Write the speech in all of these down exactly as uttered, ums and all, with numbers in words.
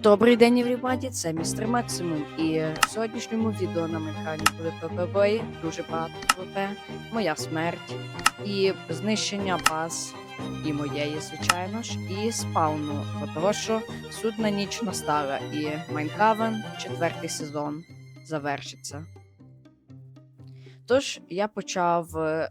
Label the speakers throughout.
Speaker 1: Добрий день, everybody, це містер Максимум, і в сьогоднішньому відео на Майнкрафті були пвп бої, дуже багато пвп, моя смерть, і знищення баз, і моєї, звичайно ж, і спауну, бо того, що судна ніч настала, і Майнхавен, четвертий сезон, завершиться. Тож я почав е,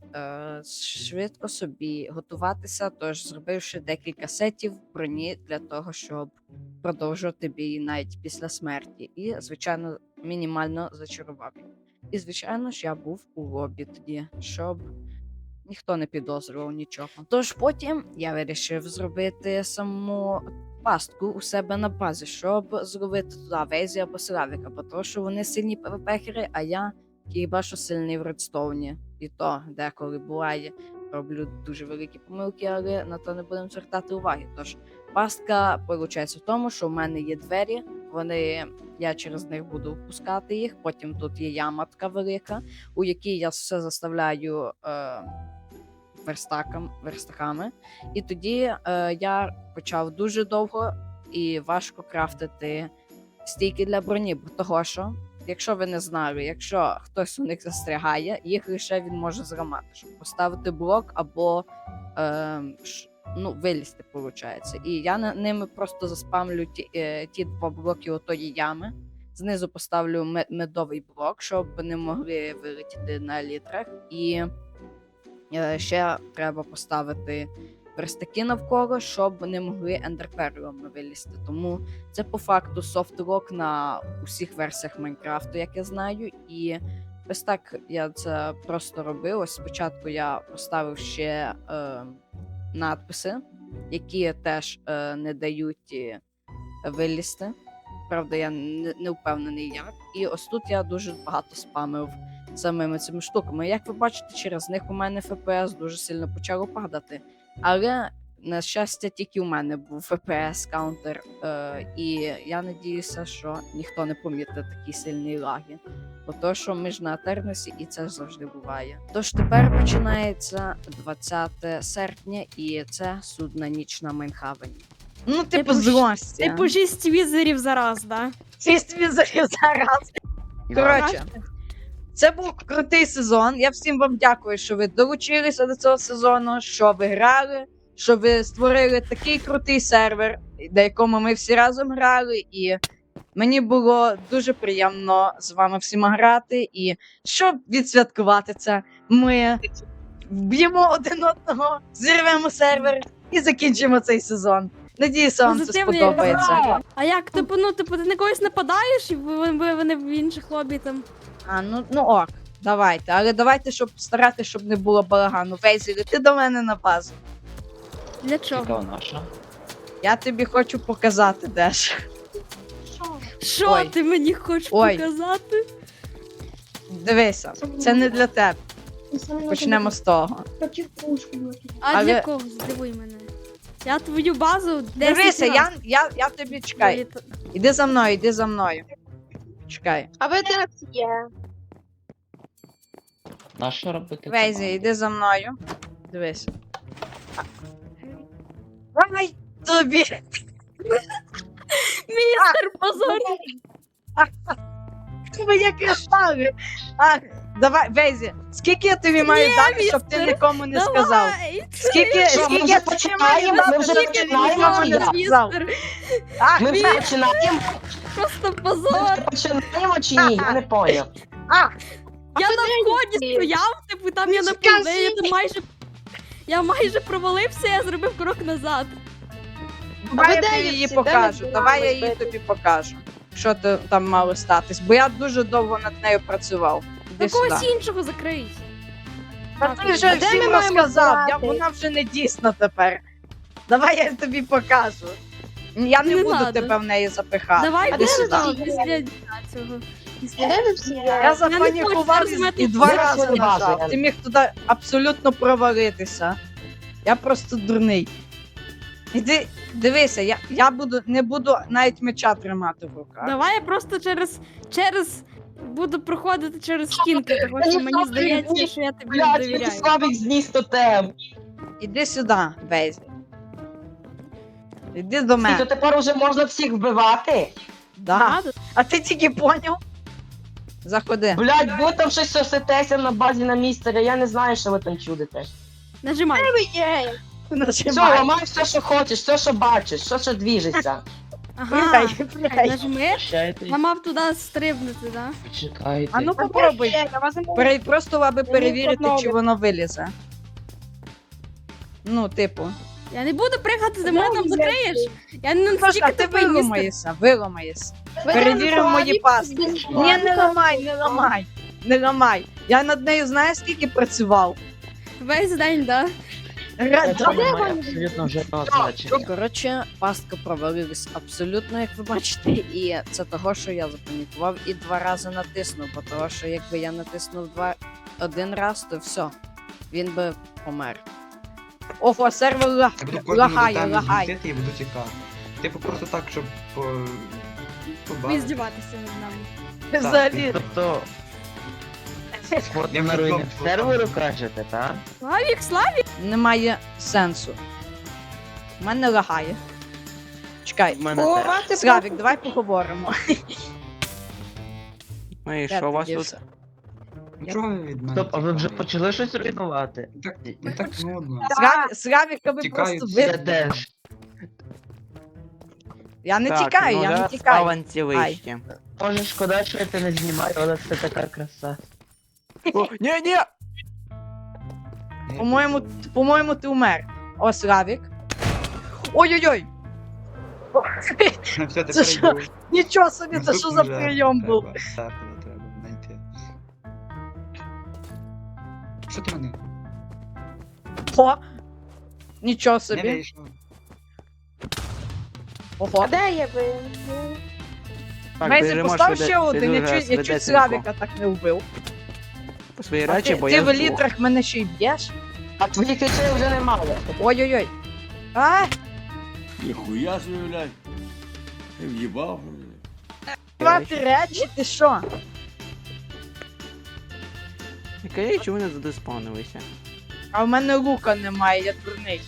Speaker 1: швидко собі готуватися, тож зробивши декілька сетів броні для того, щоб продовжувати бій навіть після смерті. І, звичайно, мінімально зачарував їх. І, звичайно ж, я був у лобі тоді, щоб ніхто не підозрював нічого. Тож потім я вирішив зробити саму пастку у себе на базі, щоб зробити туди Вейзі або Славіка, бо тому що вони сильні пвпхери, а я хіба що сильний в редстоуні. І то деколи буває, роблю дуже великі помилки, але на то не будемо звертати уваги. Тож пастка виходить в тому, що в мене є двері, вони, я через них буду впускати їх, потім тут є яма така велика, у якій я все заставляю е, верстакам, верстаками. І тоді е, я почав дуже довго і важко крафтити стійки для броні, бо того що, якщо ви не знали, якщо хтось у них застрягає, їх лише він може зламати, щоб поставити блок або е, ш, ну, вилізти, виходить. І я на, ними просто заспамлю ті, е, ті два блоки отої ями. Знизу поставлю мед, медовий блок, щоб вони могли вилетіти на літрах. І е, ще треба поставити верстаки навколо, щоб вони могли ендерперлами вилізти. Тому це по факту софтлок на усіх версіях Майнкрафту, як я знаю. І ось так я це просто робив. Ось спочатку я поставив ще е, надписи, які теж е, не дають е, вилізти. Правда, я не, не впевнений як. І ось тут я дуже багато спамив самими цими штуками. Як ви бачите, через них у мене еф пі ес дуже сильно почало падати. Але, на щастя, тільки у мене був еф пі ес каунтер, е, і я надіюся, що ніхто не помітить такі сильні лаги. Бо то, що ми ж на Атернесі, і це завжди буває. Тож тепер починається двадцяте серпня, і це судна ніч на Майнхавені. Ну, типу, злості.
Speaker 2: Типу шість візерів зараз, да?
Speaker 1: Шість візерів зараз. Коротше, це був крутий сезон. Я всім вам дякую, що ви долучилися до цього сезону, що ви грали, що ви створили такий крутий сервер, на якому ми всі разом грали. І мені було дуже приємно з вами всіма грати. І щоб відсвяткувати це, ми вб'ємо один одного, зірвемо сервер і закінчимо цей сезон. Надіюся, вам це
Speaker 2: Позитивний
Speaker 1: сподобається.
Speaker 2: результат. А як, типу, ну, типу, ти на когось нападаєш, і вони, вони в інших лобі там.
Speaker 1: А, ну, ну ок, давайте. Але давайте, щоб старатися, щоб не було балагану. Вейзі, ти до мене на базу.
Speaker 2: Для чого?
Speaker 3: Яка наша?
Speaker 1: Я тобі хочу показати дещо.
Speaker 2: Що
Speaker 1: Ой.
Speaker 2: ти мені хочеш
Speaker 1: Ой.
Speaker 2: показати?
Speaker 1: Дивися, це не для тебе. Почнемо з того.
Speaker 2: А
Speaker 1: Але-
Speaker 2: для кого? Здивуй мене. Я твою базу десять
Speaker 1: Дивися,
Speaker 2: раз
Speaker 1: я, я, я тобі чекай.
Speaker 2: виліт-
Speaker 1: Іди за мною, іди за мною. Чекай.
Speaker 4: А ви де є?
Speaker 3: На що робити?
Speaker 1: Вейзі,
Speaker 3: команду?
Speaker 1: іди за мною. Дивись. Давай тобі.
Speaker 2: Містер позор!
Speaker 1: Моє кристали. А, давай, Вейзі, скільки я тобі маю
Speaker 2: Ні,
Speaker 1: дати, щоб ти
Speaker 2: містер,
Speaker 1: нікому не сказав?
Speaker 2: Давай!
Speaker 1: Скільки,
Speaker 3: Що, ми
Speaker 1: скільки
Speaker 3: вже
Speaker 1: я тобі маю
Speaker 3: починаємо?
Speaker 1: дати,
Speaker 3: Ми вже
Speaker 1: щоб ти
Speaker 3: починаємо,
Speaker 1: нікому
Speaker 3: чи
Speaker 1: не
Speaker 3: як?
Speaker 1: сказав?
Speaker 2: Містер,
Speaker 1: А,
Speaker 3: Ми вже починаємо?
Speaker 2: просто позор!
Speaker 3: Ми починаємо чи ні? Я не поняв.
Speaker 1: а,
Speaker 2: Я на вході стояв, типу, там я на
Speaker 1: Скажи.
Speaker 2: південь, я там майже... Я майже провалився, я зробив крок назад.
Speaker 1: давай я
Speaker 4: де
Speaker 1: тобі
Speaker 4: є
Speaker 1: її
Speaker 4: всі? Де ми
Speaker 1: покажу,
Speaker 4: збираємось
Speaker 1: давай я її
Speaker 4: бити?
Speaker 1: тобі покажу. Що то там мало статись, бо я дуже довго над нею працював. Іди
Speaker 2: На
Speaker 1: сюди.
Speaker 2: когось іншого закрий.
Speaker 1: Та
Speaker 2: Так,
Speaker 1: ти вже
Speaker 4: а де
Speaker 1: всім
Speaker 4: ми маємо
Speaker 1: розказав, я,
Speaker 4: збиратись?
Speaker 1: вона вже не дійсна тепер. Давай я тобі покажу. Я не,
Speaker 2: Не
Speaker 1: буду
Speaker 2: надо.
Speaker 1: тебе в неї запихати.
Speaker 2: Давай
Speaker 1: Іди
Speaker 4: де
Speaker 1: сюди.
Speaker 2: після
Speaker 4: сюди?
Speaker 2: після цього.
Speaker 4: Де ви всі є?
Speaker 1: Я
Speaker 2: не
Speaker 1: запанікував
Speaker 2: хочу
Speaker 1: і,
Speaker 2: розуміти,
Speaker 1: і два
Speaker 3: що
Speaker 1: рази
Speaker 3: це база.
Speaker 1: нажав. Ти міг туди абсолютно провалитися. Я просто дурний. Іди, дивися, я, я буду, не буду навіть меча тримати в руках.
Speaker 2: Давай я просто через через буду проходити через стінки, тому що мені здається, що я тобі не
Speaker 3: Блядь, мені
Speaker 2: довіряю.
Speaker 3: слабик зніс тотем.
Speaker 1: Іди сюди, Вейзі. Іди до
Speaker 3: І то
Speaker 1: мене.
Speaker 3: тепер уже можна всіх вбивати?
Speaker 1: Да.
Speaker 2: Надо.
Speaker 1: А ти тільки поняв? Заходи.
Speaker 3: Блядь, ви там щось сосетеся на базі на містері, я не знаю, що ви там чудите.
Speaker 2: Нажимай.
Speaker 4: Є.
Speaker 3: Все,
Speaker 1: Нажимай.
Speaker 3: ламай все, що хочеш, все, що бачиш, все, що двіжиться.
Speaker 2: Ага.
Speaker 1: Пригай, пригай.
Speaker 2: Нажми.
Speaker 3: Прощайте,
Speaker 2: Я мав туди стрибнути, да?
Speaker 3: чекайте.
Speaker 1: А ну попробуй.
Speaker 4: Я вас не можу.
Speaker 1: Пере- Просто аби перевірити,
Speaker 4: подобається.
Speaker 1: чи воно вилізе. Ну, типу.
Speaker 2: Я не буду пригати, ти мене там
Speaker 4: Ну,
Speaker 2: закриєш. Я не
Speaker 1: Сашка,
Speaker 2: настільки
Speaker 1: ти
Speaker 2: тупий містер.
Speaker 1: виламаєшся, виламаєшся.
Speaker 4: Ви
Speaker 1: Перевіримо
Speaker 4: там
Speaker 1: мої
Speaker 4: слабі,
Speaker 1: паски.
Speaker 4: без
Speaker 1: Ні, не
Speaker 4: слабі.
Speaker 1: ламай, не ламай. Не ламай. Я над нею знаєш, скільки працював?
Speaker 2: Весь день, да?
Speaker 1: Ра-
Speaker 3: Це немає абсолютно жодного значення.
Speaker 1: Коротше, пастка провалилась абсолютно, як ви бачите, і це того, що я запанікував і два рази натиснув, бо того, що якби я натиснув два один раз, то все, він би помер. Ого, сервер ла-
Speaker 5: Я буду кожному
Speaker 1: лагає,
Speaker 5: деталі
Speaker 1: лагає.
Speaker 5: змістити і буду тікати. Типу просто так, щоб по...
Speaker 2: Ви
Speaker 5: побавити.
Speaker 2: здіватися над нами.
Speaker 1: Взагалі.
Speaker 3: Тобто, от
Speaker 5: Я
Speaker 3: на
Speaker 5: вже
Speaker 3: руїни
Speaker 5: там
Speaker 3: серверу кажете, так?
Speaker 2: Славік, Славік!
Speaker 1: Немає сенсу. У мене лагає. Чекай.
Speaker 3: В мене
Speaker 4: О,
Speaker 3: теж.
Speaker 4: мати
Speaker 1: Славік, давай поговоримо.
Speaker 6: Ну і
Speaker 1: Де
Speaker 6: що у
Speaker 1: ти
Speaker 6: вас тут?
Speaker 1: дівся?
Speaker 5: Нічого від мене.
Speaker 3: Стоп, а ви вже
Speaker 5: тікає.
Speaker 3: почали щось руйнувати?
Speaker 5: Так, не так нудно.
Speaker 1: Славі- Славіка ви
Speaker 5: Тікають
Speaker 1: просто
Speaker 5: всі.
Speaker 3: Я
Speaker 1: ви...
Speaker 3: теж.
Speaker 1: Я не
Speaker 6: Так,
Speaker 1: тікаю,
Speaker 6: ну,
Speaker 1: я не
Speaker 6: зараз
Speaker 1: тікаю.
Speaker 6: спаванці вище.
Speaker 3: Може, шкода, що я це не знімаю, але це така краса.
Speaker 6: О, ні, ні!
Speaker 1: По-моєму, по-моєму, ти умер. О, Славік. Ой-ой-ой!
Speaker 5: Все,
Speaker 1: Це
Speaker 5: тепер
Speaker 1: що?
Speaker 5: йду.
Speaker 1: Нічого собі, це що
Speaker 5: Наступну
Speaker 1: за
Speaker 5: жертву
Speaker 1: прийом був?
Speaker 5: треба, Серпера треба знайти. Що ти мене?
Speaker 1: О! Нічого
Speaker 5: Не
Speaker 1: собі.
Speaker 5: вийшов.
Speaker 1: Ого.
Speaker 4: А де є ви?
Speaker 6: Так,
Speaker 1: Мейзі,
Speaker 6: біжимо
Speaker 1: постав
Speaker 6: швиде-
Speaker 1: ще один, я
Speaker 6: дуже
Speaker 1: чуть, я чуть
Speaker 6: швидесенько.
Speaker 1: Славіка так не вбив.
Speaker 6: По свої
Speaker 1: А
Speaker 6: речі,
Speaker 1: ти,
Speaker 6: бо
Speaker 1: ти
Speaker 6: я
Speaker 1: в
Speaker 6: здох.
Speaker 1: літрах мене ще й б'єш?
Speaker 3: А твоїх речей вже немає.
Speaker 1: Ой-ой-ой. А,
Speaker 7: Ніхуя собі, блядь. Ти в'їбав, блядь.
Speaker 1: мати речі, ти що?
Speaker 6: Яке чому не задеспавнилися?
Speaker 1: А в мене лука немає, я дурний.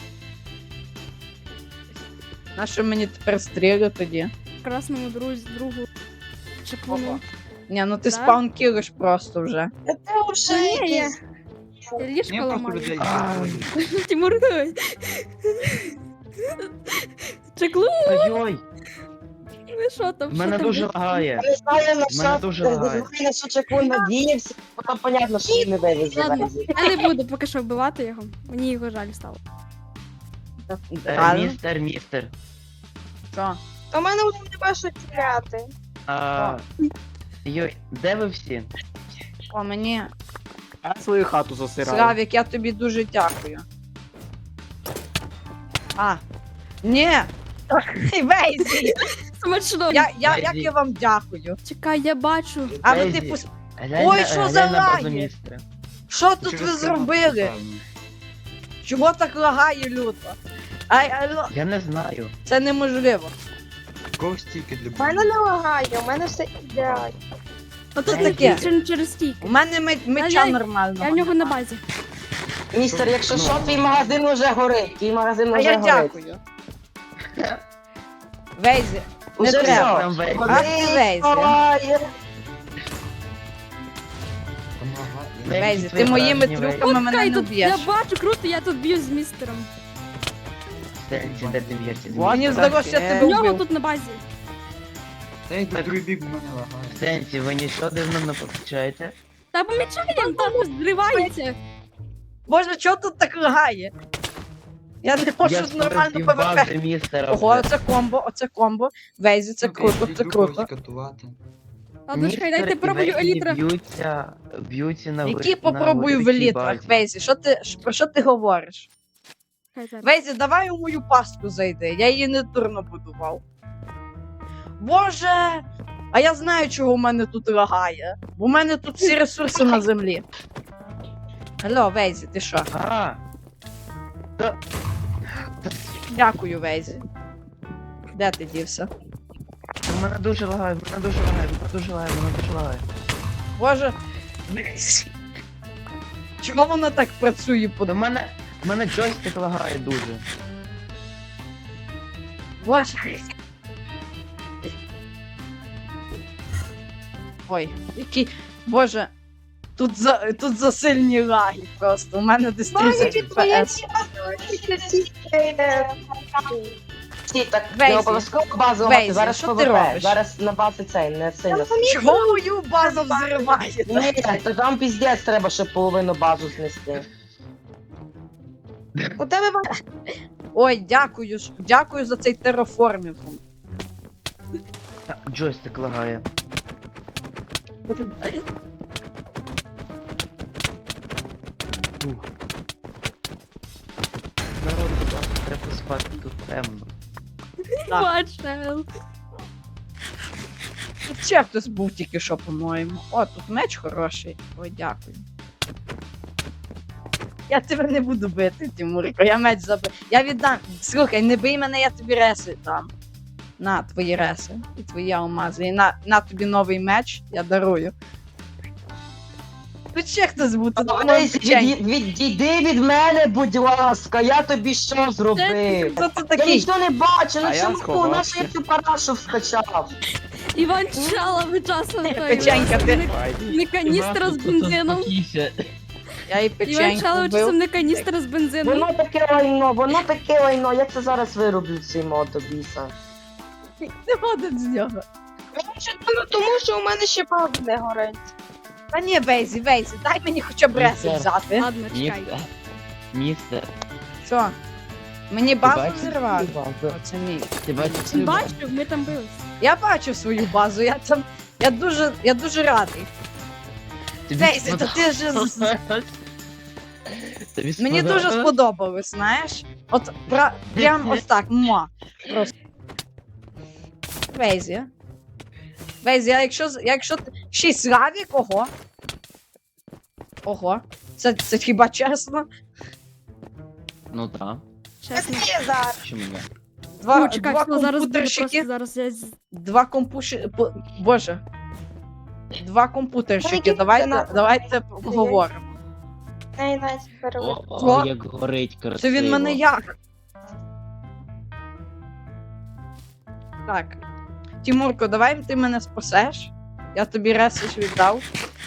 Speaker 1: Нащо мені тепер стріли тоді?
Speaker 2: Красному друзі, другу. Чеклуну.
Speaker 1: Ні, ну ти
Speaker 2: Да?
Speaker 1: спаун кілиш просто вже.
Speaker 4: Це вже
Speaker 2: Ні, я-
Speaker 4: якісь.
Speaker 2: Я
Speaker 5: Ні,
Speaker 2: ліжко
Speaker 5: просто
Speaker 2: ламаю.
Speaker 5: людей.
Speaker 2: Тимур, давай. Чеклун,
Speaker 3: Ой-ой,
Speaker 2: ви що там?
Speaker 3: в
Speaker 2: Що
Speaker 3: мене
Speaker 2: там?
Speaker 3: дуже лагає. Ну, В Я не знаю, на мене що, дуже не лагає. знаю, на що чекун надіявся, бо там понятно, що він не вивезе.
Speaker 2: Ладно.
Speaker 3: Везі.
Speaker 2: Я не буду поки що вбивати його. Мені його жаль стало.
Speaker 3: Е,
Speaker 1: Реально?
Speaker 3: Містер, містер.
Speaker 1: Що?
Speaker 4: У мене вже нема що тіряти.
Speaker 3: А, Йой, де ви всі?
Speaker 1: О, мені.
Speaker 6: Я свою хату засираю.
Speaker 1: Славік, я тобі дуже дякую. А. Ні! Вейзі!
Speaker 2: Смачно.
Speaker 1: Я, я,
Speaker 3: Вейзі.
Speaker 1: як я вам дякую.
Speaker 2: Чекай, я бачу.
Speaker 1: А ви
Speaker 3: Вейзі,
Speaker 1: типу,
Speaker 3: глянь
Speaker 1: Ой,
Speaker 3: на-
Speaker 1: що
Speaker 3: глянь
Speaker 1: за
Speaker 3: на базу
Speaker 1: лаги?
Speaker 3: містера.
Speaker 1: що тут
Speaker 5: Через
Speaker 1: ви
Speaker 5: канал,
Speaker 1: зробили?
Speaker 5: напевно.
Speaker 1: Чого так лагає люто? Ай, алло,
Speaker 3: Я не знаю.
Speaker 1: це неможливо.
Speaker 5: Кого стільки для
Speaker 4: У мене не лагає, у мене все ідеально.
Speaker 2: Ото
Speaker 3: Вейзі.
Speaker 2: таке. Через, через стійки.
Speaker 1: У мене меч- меча
Speaker 2: Я- я-
Speaker 1: нормального.
Speaker 2: Я в нього на
Speaker 1: нема.
Speaker 2: базі.
Speaker 3: Містер, якщо
Speaker 6: Ну.
Speaker 3: що, твій магазин уже горить. Твій магазин
Speaker 1: А
Speaker 3: уже
Speaker 1: я
Speaker 3: горить.
Speaker 1: дякую. Вейзі, не
Speaker 3: Уже
Speaker 1: треба.
Speaker 3: все, прям Вейзі.
Speaker 1: А ти Вейзі.
Speaker 3: Лагає.
Speaker 5: Помагати.
Speaker 3: Вейзі,
Speaker 1: Вейзі,
Speaker 3: твої
Speaker 1: ти моїми
Speaker 3: враження,
Speaker 1: трюками мене
Speaker 2: Чекай,
Speaker 1: не
Speaker 2: тут
Speaker 1: вб'єш.
Speaker 2: я бачу, круто, я тут б'ю з містером.
Speaker 3: Сенсі, де ти б'єшся?
Speaker 1: Мені здалося, що я
Speaker 6: таке.
Speaker 1: тебе
Speaker 2: У нього
Speaker 1: вбив.
Speaker 2: тут на базі.
Speaker 5: Та й до другий бік в мене лагає.
Speaker 3: Сенсі, ви нічого дивного не помічаєте?
Speaker 2: Та помічаємо, там зривається.
Speaker 1: Боже, чого тут так лагає? Я не можу
Speaker 3: Я
Speaker 1: нормально
Speaker 3: спросив
Speaker 1: ПВП.
Speaker 3: бази містера.
Speaker 1: Ого,
Speaker 3: вже.
Speaker 1: оце комбо, оце комбо. Вейзі, це
Speaker 5: Ну,
Speaker 1: круто,
Speaker 5: я
Speaker 1: це
Speaker 5: йду
Speaker 1: круто.
Speaker 5: когось катувати.
Speaker 2: Ладно, чекай,
Speaker 3: Містер
Speaker 2: дайте
Speaker 3: і
Speaker 2: пробую
Speaker 3: Вейзі
Speaker 2: елітра.
Speaker 3: Б'ються, б'ються на
Speaker 1: Які
Speaker 3: ви- на
Speaker 1: попробую в
Speaker 3: великій
Speaker 1: елітрах,
Speaker 3: базі.
Speaker 1: Вейзі, що ти, ш- про що ти говориш?
Speaker 2: Чекай, зараз.
Speaker 1: Вейзі, давай у мою пастку зайди, я її не дурно будував. Боже! А я знаю, чого у мене тут лагає. Бо у мене тут всі ресурси на землі. Алло, Вейзі, ти що?
Speaker 3: А,
Speaker 1: Дякую, Вейзі. Де ти дівся?
Speaker 3: у мене дуже лагає, в мене дуже лагає, в мене дуже лагає, в мене дуже лагає.
Speaker 1: Боже. Вейзі. Чому воно так працює по
Speaker 3: У мене, у мене джойстик лагає дуже.
Speaker 1: Боже. Ой, який. Боже. Тут за, тут за сильні лаги просто. У мене десь тридцять еф пі ес.
Speaker 3: Всі так
Speaker 1: Вейзі.
Speaker 3: не обов'язково базу
Speaker 1: Вейзі,
Speaker 3: мати, зараз
Speaker 1: що ти
Speaker 3: ПВП,
Speaker 1: робиш?
Speaker 3: зараз на базі цей, не сильно.
Speaker 1: Чого мою базу взриваєте?
Speaker 3: Ні, то там піздець треба, щоб половину базу знести.
Speaker 4: У тебе ба-
Speaker 1: Ой, дякую ж. Дякую за цей тераформінг.
Speaker 6: Джойстик лагає. Народ, будь ласка, треба спати, тут темно.
Speaker 1: Так.
Speaker 2: Бачел.
Speaker 1: Тут ще хтось був тільки що, по-моєму. О, тут меч хороший. Ой, дякую. Я тебе не буду бити, Тимурко, я меч забив. Я віддам. Слухай, не бий мене, я тобі реси дам. На твої реси і твої алмази. І на, на тобі новий меч, я дарую. Тут ще хтось був, тут по-моєму,
Speaker 3: Вейзі,
Speaker 1: печень.
Speaker 3: від- відійди від мене, будь ласка, я тобі що зробив?
Speaker 1: Хто це
Speaker 3: Я
Speaker 1: такий?
Speaker 3: нічого не бачу, ну
Speaker 6: А я
Speaker 3: чому
Speaker 6: сховався.
Speaker 3: наша я цю парашу вскачав?
Speaker 2: Іван Чала ви часом той.
Speaker 1: Печенька, ти-
Speaker 2: не- Не каністра з бензином.
Speaker 1: Я і
Speaker 2: Іван
Speaker 1: печеньку
Speaker 2: Чала ви
Speaker 1: вбив.
Speaker 2: часом не каністра з бензином.
Speaker 3: Воно таке лайно, воно таке лайно, я це зараз вироблю цей мод до біса.
Speaker 1: Не ходить з нього.
Speaker 4: Мені ще дивно, тому що у мене ще база не горить.
Speaker 1: Та ні, Вейзі, Вейзі, дай мені хоча б реси
Speaker 8: Містер.
Speaker 1: взяти.
Speaker 2: Ладно, чекай.
Speaker 8: Містер, містер,
Speaker 1: Що? Мені базу
Speaker 8: бачиш
Speaker 1: взірвати?
Speaker 8: свою базу?
Speaker 1: Оце мій.
Speaker 8: Ти бачиш свою базу?
Speaker 2: Бачив, ми там бились.
Speaker 1: Я бачу свою базу, я там. Я дуже, я дуже радий.
Speaker 8: Тобі
Speaker 1: Вейзі, то ти ж. з-
Speaker 8: Тобі
Speaker 1: Мені дуже
Speaker 8: сподобалось?
Speaker 1: сподобалось, знаєш? От пра... прям ось так, муа. Просто. Вейзі. Вейзі, а якщо, з- якщо ти. Шість лавік, ого. Ого. Це, це хіба чесно?
Speaker 8: Ну так,
Speaker 2: Чесно.
Speaker 4: Це зараз.
Speaker 8: чому ні?
Speaker 1: Два,
Speaker 2: Ну, чекай,
Speaker 1: два
Speaker 2: все, зараз буде
Speaker 1: компутерщики.
Speaker 2: просто зараз я з-
Speaker 1: Два компуші... по- Боже. Два компутерщики,
Speaker 4: Які
Speaker 1: давайте,
Speaker 4: координати?
Speaker 1: давайте поговоримо.
Speaker 4: Ей, навіть перевод.
Speaker 8: О,
Speaker 1: Що?
Speaker 8: о, як горить красиво.
Speaker 1: Це він мене як? Так. Тимурко, давай ти мене спасеш. Я тобі ресиш віддав.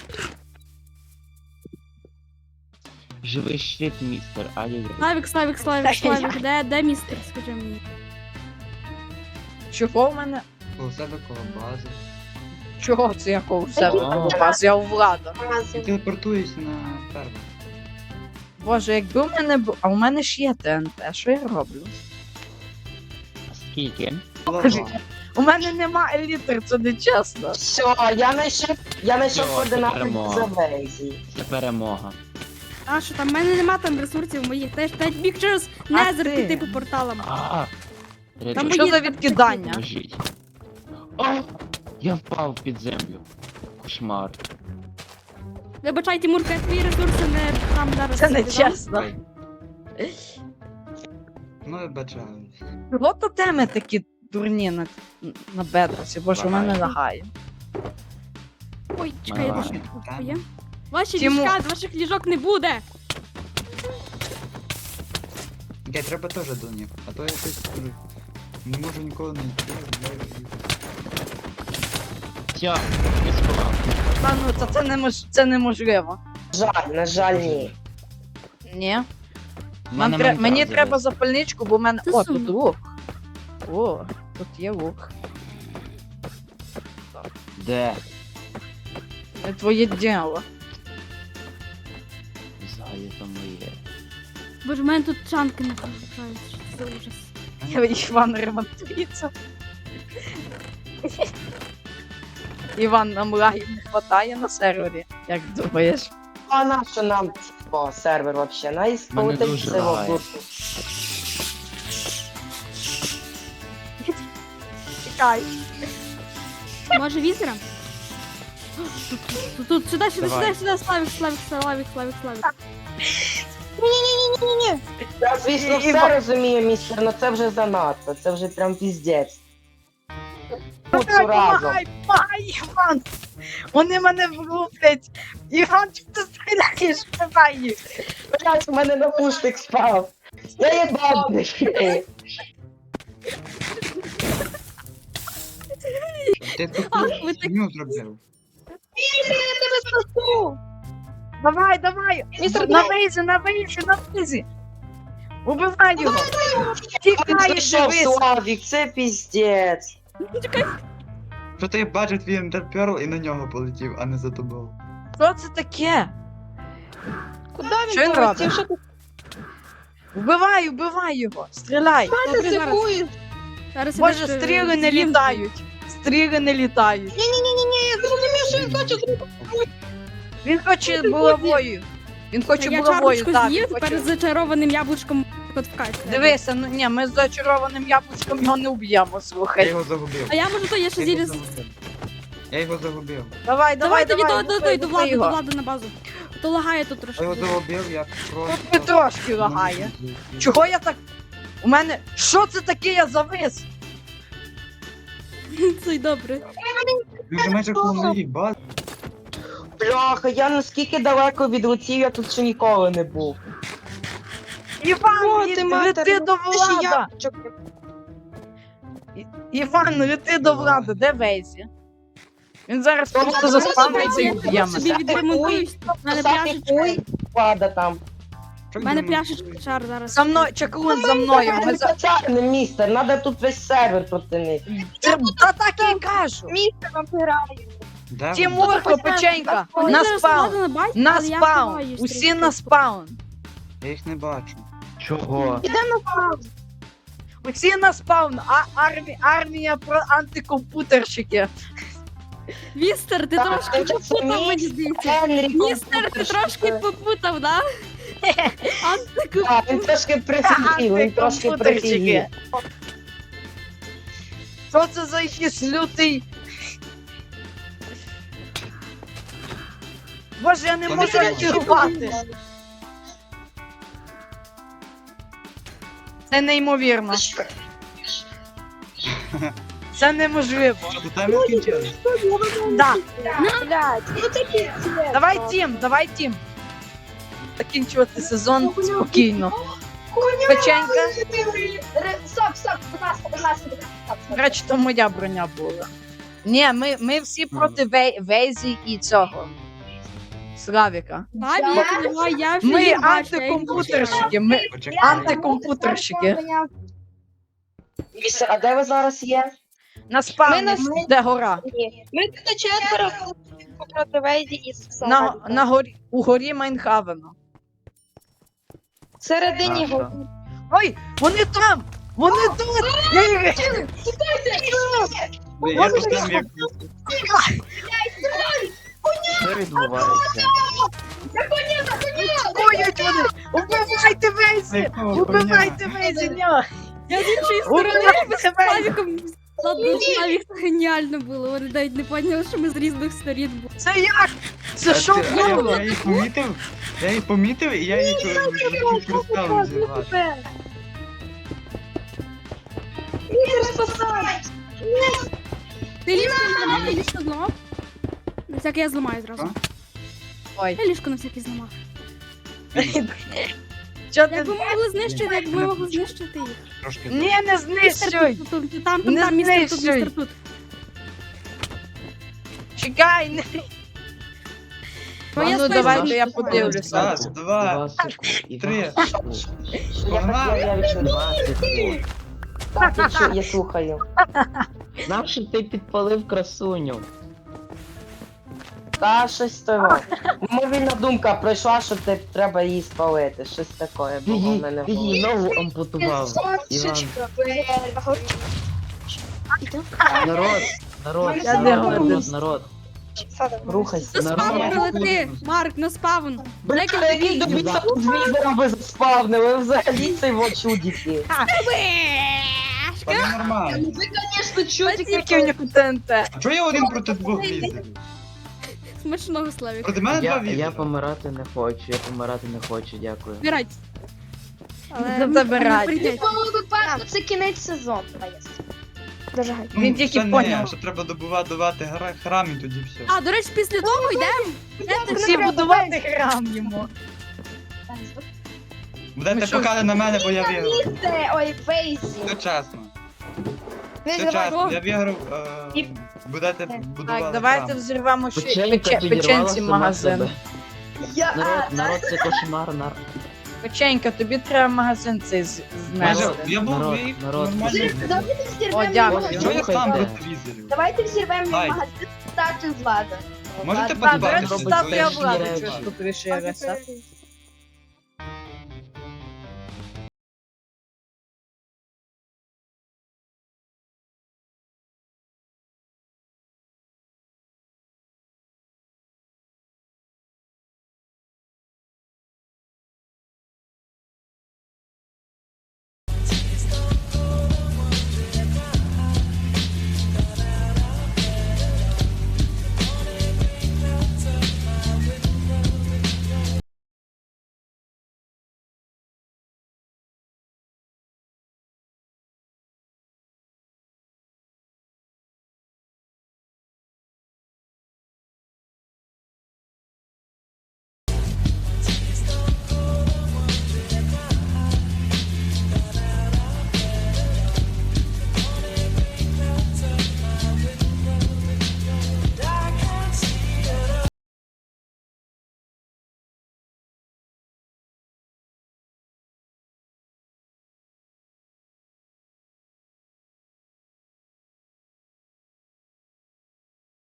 Speaker 8: Живий щит, містер, ай-яй-яй.
Speaker 2: Славік, Славік, Славік, Славік, де, де містер, скажи мені.
Speaker 1: Чого в мене?
Speaker 5: У себе коло бази.
Speaker 1: Чого це я коло себе
Speaker 8: О.
Speaker 1: коло вас? Я у влада.
Speaker 5: І
Speaker 4: Базі.
Speaker 5: телепортуюсь на ферму.
Speaker 1: Боже, якби в мене бу... А у мене ж є ТНТ, що я роблю?
Speaker 8: Скільки?
Speaker 5: Лава.
Speaker 1: У мене нема елітр, це не чесно.
Speaker 3: Все, я знайшов, я знайшов
Speaker 8: Йо,
Speaker 3: координати
Speaker 8: перемога.
Speaker 3: за Вейзі.
Speaker 8: Це перемога.
Speaker 2: А що там, в мене нема там ресурсів моїх, теж теж біг через
Speaker 1: А
Speaker 2: Незер
Speaker 1: ти?
Speaker 2: піти по порталам.
Speaker 8: А,
Speaker 2: Там
Speaker 1: Що
Speaker 2: мої-
Speaker 1: за відкидання?
Speaker 8: Поможіть. О, я впав під землю. Кошмар.
Speaker 2: Вибачай, Тимурка, я твої ресурси не там зараз.
Speaker 1: Це не
Speaker 2: віддам.
Speaker 1: чесно.
Speaker 5: Ну і бачаюсь.
Speaker 1: Чого то теми такі дурні на, на бедросі? Боже, у мене
Speaker 8: Лагає.
Speaker 1: лагає.
Speaker 2: Ой, чекай, я
Speaker 8: Ага.
Speaker 2: дуже є. Ваші
Speaker 1: Тимур.
Speaker 2: ліжка, ваших ліжок не буде.
Speaker 5: Окей, треба теж до них. А то я щось кажу. Не можу ніколи не йти.
Speaker 8: Все, не сховав.
Speaker 1: Та ну, та це, немож... це неможливо.
Speaker 3: Жаль, на жаль, ні.
Speaker 1: Ні.
Speaker 8: В
Speaker 1: Нам
Speaker 8: мене
Speaker 1: тре...
Speaker 8: Майнкрафт
Speaker 1: Мені
Speaker 8: завис.
Speaker 1: треба запальничку, бо в мене.
Speaker 2: Це
Speaker 1: О,
Speaker 2: сумно.
Speaker 1: тут лук. О, тут є лук.
Speaker 8: Де?
Speaker 1: Це твоє діло.
Speaker 8: Згає то моє.
Speaker 2: Боже, в мене тут чанки не залишаються. Що це за ужас.
Speaker 1: Іван ремонтується. Іван, нам лагів не хватає на сервері, як думаєш?
Speaker 3: А на що нам о, сервер вообще? На
Speaker 8: Мене
Speaker 3: ісполотить
Speaker 8: дуже
Speaker 3: всього
Speaker 8: лагає.
Speaker 3: курсу.
Speaker 1: Чекай.
Speaker 2: Може візера? Тут, тут, тут, сюди, сюди,
Speaker 8: Давай.
Speaker 2: сюди, сюди, Славік, Славік, Славік, Славік, Славік.
Speaker 4: Ні-ні-ні-ні-ні.
Speaker 3: Я, звісно,
Speaker 1: І-
Speaker 3: все розумію, містер, але це вже занадто, це вже прям піздець. Куцу разом.
Speaker 1: Помагай, помагай, Іван! Вони мене влуплять! Іван, чого ти стріляєш? Давай їх!
Speaker 3: Блять, у мене навушник спав. Я їбав.
Speaker 5: Ти таку
Speaker 2: Ах, ви так-
Speaker 5: фігню зробив.
Speaker 1: Давай, давай!
Speaker 4: Містер
Speaker 1: На вейзі, на вейзі, на вейзі! Убивай його! Тікай,
Speaker 3: Пішов
Speaker 1: дивись!
Speaker 3: Славік, це піздець.
Speaker 5: Що ти бачив твій ендерперл і на нього полетів, а не за тобою.
Speaker 1: Що це таке?
Speaker 4: Куди
Speaker 1: Що
Speaker 4: він
Speaker 1: він
Speaker 4: полетів?
Speaker 1: робить?
Speaker 4: Що ти
Speaker 1: Вбивай, вбивай його! Стріляй!
Speaker 2: Добре, зараз.
Speaker 4: ризикуєш?
Speaker 2: Зараз я
Speaker 1: Боже,
Speaker 2: дещо
Speaker 1: стріли не
Speaker 2: з'їм.
Speaker 1: літають! Стріли не літають!
Speaker 4: Ні-ні-ні, я зрозумів, що він хоче зробити.
Speaker 1: Він хоче булавою! Він хоче
Speaker 2: Я
Speaker 1: булавою,
Speaker 2: чарочку
Speaker 1: так!
Speaker 2: з'їв,
Speaker 1: він
Speaker 2: тепер
Speaker 1: хоче-
Speaker 2: з зачарованим яблучком от в кайф.
Speaker 1: Дивися, ну ні, ми з зачарованим яблучком його не вб'ємо,
Speaker 5: Я
Speaker 1: слухай.
Speaker 5: його загубив.
Speaker 2: А я можу то, я ще
Speaker 5: Я
Speaker 2: зілі...
Speaker 5: його загубив. Я його загубив.
Speaker 1: Давай,
Speaker 2: Давай
Speaker 1: давай,
Speaker 2: тоді
Speaker 1: давай,
Speaker 2: до, до,
Speaker 1: лупи,
Speaker 2: до, до
Speaker 1: лупи
Speaker 2: влади, до
Speaker 1: його.
Speaker 2: влади на базу. То лагає тут
Speaker 5: Я
Speaker 2: трошки.
Speaker 5: його загубив, я просто...
Speaker 1: Тут не трошки лагає. Чого я так... У мене... Що це таке, я завис?
Speaker 2: Це й добре.
Speaker 5: Він же майже коло моїй бази.
Speaker 3: Бляха, я наскільки далеко від летів, я тут ще ніколи не був.
Speaker 1: Іван,
Speaker 4: О,
Speaker 1: лі-
Speaker 4: ти матер,
Speaker 1: лети до
Speaker 4: Ти ще
Speaker 1: влада!
Speaker 4: яблучок.
Speaker 1: І- Іван, лети до влада, де Вейзі? Він зараз
Speaker 3: Та
Speaker 1: просто
Speaker 3: Влада,
Speaker 1: заспавниться і
Speaker 2: Я
Speaker 1: вб'є
Speaker 2: собі
Speaker 1: мене.
Speaker 2: відремонтуюсь. У мене
Speaker 3: Сапі
Speaker 2: пляшечка.
Speaker 3: хуй, влада там.
Speaker 5: Що
Speaker 2: У мене
Speaker 5: він
Speaker 2: пляшечка
Speaker 5: демонструє?
Speaker 2: шар зараз.
Speaker 1: За мною, чаклун за мною. Ми за...
Speaker 3: Це містер, треба тут весь сервер протинити.
Speaker 1: Це- Та так і кажу.
Speaker 4: Містер вампирає.
Speaker 5: Де він?
Speaker 1: Тімурко, печенька,
Speaker 2: Вони
Speaker 1: на
Speaker 2: зараз
Speaker 1: спаун.
Speaker 2: влада базі,
Speaker 1: На
Speaker 2: але я
Speaker 1: спаун.
Speaker 2: ховаюсь
Speaker 1: Усі
Speaker 2: трішки.
Speaker 1: на спаун.
Speaker 5: Я їх не бачу.
Speaker 6: Чого?
Speaker 4: Іде на паузу.
Speaker 1: Усі на спаун. А армі... армія про антикомпутерщики.
Speaker 2: Містер, ти
Speaker 3: Так,
Speaker 2: трошки
Speaker 3: це
Speaker 2: попутав, мені
Speaker 3: містер.
Speaker 2: здається.
Speaker 3: Генрі,
Speaker 2: Містер, ти трошки попутав, да? Антику...
Speaker 3: Так, він трошки прифігів, він трошки прифігів.
Speaker 1: Антикомпутерщики. Що це за якийсь лютий? Боже, я не
Speaker 5: Та
Speaker 1: можу
Speaker 5: не
Speaker 1: реагувати. Це неймовірно. Це неможливо.
Speaker 5: Що, до тебе скінчилось?
Speaker 1: Да.
Speaker 4: Блядь, ну це піздець.
Speaker 1: Давай тім, давай тім. Закінчувати сезон спокійно. Печенька.
Speaker 4: Стоп, стоп, будь ласка, будь ласка, будь ласка.
Speaker 1: До речі, то моя броня була. Ні, ми, ми всі проти Вей- Вейзі і цього. Славіка.
Speaker 2: Славік, давай, я вже
Speaker 1: Ми
Speaker 2: їх бачу, я їх
Speaker 1: антикомпутерщики. Ми
Speaker 5: Почекай.
Speaker 1: антикомпутерщики.
Speaker 3: Містер, а де ви зараз є?
Speaker 1: На спавні,
Speaker 4: Ми на-
Speaker 1: де гора.
Speaker 4: Ні. Ми тут четверо проти Вейді і
Speaker 1: На,
Speaker 4: Славіка.
Speaker 1: на горі, у горі Майнхавена.
Speaker 4: Всередині
Speaker 6: Наша.
Speaker 4: го.
Speaker 1: Ой, вони там! Вони тут! Я їх-
Speaker 5: Ви- Я поставив як...
Speaker 6: Що відбувається?
Speaker 1: Атакують вони! Убивайте Вейзі!
Speaker 5: Якого
Speaker 1: Убивайте
Speaker 5: коня?
Speaker 1: Вейзі! Ні!
Speaker 2: Я з іншої сторони
Speaker 1: Убивайте Вейзі!
Speaker 2: Славіком. Ладно, Славік, це геніально було. Вони навіть не поняли, що ми з різних сторін були.
Speaker 1: Це як? Це
Speaker 5: А
Speaker 1: що
Speaker 5: ти- а я-
Speaker 1: було?
Speaker 5: Я їх помітив, я їх помітив, і я їх розставив зірвати.
Speaker 2: Ти ліжко зламав, ти ліжко зламав? На всяке я зламаю зразу.
Speaker 1: Ой.
Speaker 2: Я ліжко на всякий зламав.
Speaker 1: Що ти?
Speaker 2: Як ви могли знищити, як ви могли знищити їх?
Speaker 5: Трошки.
Speaker 1: Ні, не
Speaker 2: Містер
Speaker 1: знищуй!
Speaker 2: тут, тут, тут, там, там,
Speaker 1: Не
Speaker 2: там, містер тут,
Speaker 1: знищуй.
Speaker 2: містер тут.
Speaker 1: Чекай! не-
Speaker 2: Ну, я
Speaker 1: Ну
Speaker 2: спочатку-
Speaker 1: давайте я подивлюся.
Speaker 5: Раз, два,
Speaker 6: секунди.
Speaker 5: три.
Speaker 3: Я так, я, я відчув.
Speaker 6: Два секунди.
Speaker 3: Так, я, чу- я слухаю.
Speaker 8: Нащо ти підпалив красуню?
Speaker 3: Та щось того. Мовільна думка пройшла, що те- треба її спалити. Щось таке
Speaker 8: Ти
Speaker 3: було в
Speaker 8: її,
Speaker 3: мене в
Speaker 8: ти
Speaker 3: голові.
Speaker 8: її ногу ампутував. Іван. Народ, народ,
Speaker 1: Я не
Speaker 8: народ,
Speaker 1: говорю.
Speaker 8: народ, народ.
Speaker 3: Рухайся.
Speaker 2: На
Speaker 8: Народ.
Speaker 2: спаун прилети! Марк, на спаун!
Speaker 3: Бля, який тобі тут візером ви заспавнили, ви взагалі це його чудіки.
Speaker 5: Та не нормально.
Speaker 1: Тільки в них ТНТ.
Speaker 5: А чого я один проти двох візерів?
Speaker 2: Смачного, Славік.
Speaker 5: Проти мене два
Speaker 8: Я,
Speaker 5: візери.
Speaker 8: я помирати не хочу, я помирати не хочу, дякую.
Speaker 2: Збирайтесь. Але
Speaker 1: Не забирайте.
Speaker 2: не прийдеться.
Speaker 4: випадку це кінець сезону. Дуже гай.
Speaker 5: Ну,
Speaker 1: Він тільки
Speaker 5: ще не,
Speaker 1: поняв.
Speaker 5: Що треба добувати давати гра- храм і тоді все.
Speaker 2: А, до речі, після того йдемо. Йдете
Speaker 1: Всі
Speaker 2: на-
Speaker 1: будувати храм йому.
Speaker 5: Будете
Speaker 1: що?
Speaker 5: покати на мене, бо я виграв.
Speaker 4: Це, ой, Вейзі.
Speaker 5: Все чесно.
Speaker 4: Ви
Speaker 5: Все час,
Speaker 2: Що?
Speaker 5: я виграв,
Speaker 4: І-
Speaker 5: е, будете будувати
Speaker 1: Так, давайте
Speaker 5: храм.
Speaker 1: взриваємо ще
Speaker 8: Печенька
Speaker 1: пече-
Speaker 8: підірвала
Speaker 1: печенці
Speaker 8: сама
Speaker 1: магазин.
Speaker 8: себе.
Speaker 4: Я...
Speaker 8: Народ, народ, це кошмар, нар...
Speaker 1: Печенька, тобі треба магазин цей з-
Speaker 5: Може,
Speaker 1: знести.
Speaker 5: я був
Speaker 8: Народ,
Speaker 5: мій
Speaker 8: народ.
Speaker 5: нормально.
Speaker 4: Давайте
Speaker 1: О,
Speaker 4: взірвемо
Speaker 1: дякую.
Speaker 4: магазин.
Speaker 5: Чого я сам
Speaker 8: Слухайте.
Speaker 5: проти візерів?
Speaker 4: Давайте взірвемо
Speaker 5: Ай.
Speaker 4: магазин стати з ладом.
Speaker 5: Можете
Speaker 1: Так, до
Speaker 5: позбавитися?
Speaker 1: речі,
Speaker 5: бо
Speaker 1: став
Speaker 5: я
Speaker 1: я
Speaker 5: ж
Speaker 1: владу,
Speaker 5: не
Speaker 1: щось
Speaker 5: знаю.
Speaker 1: тут вирішив.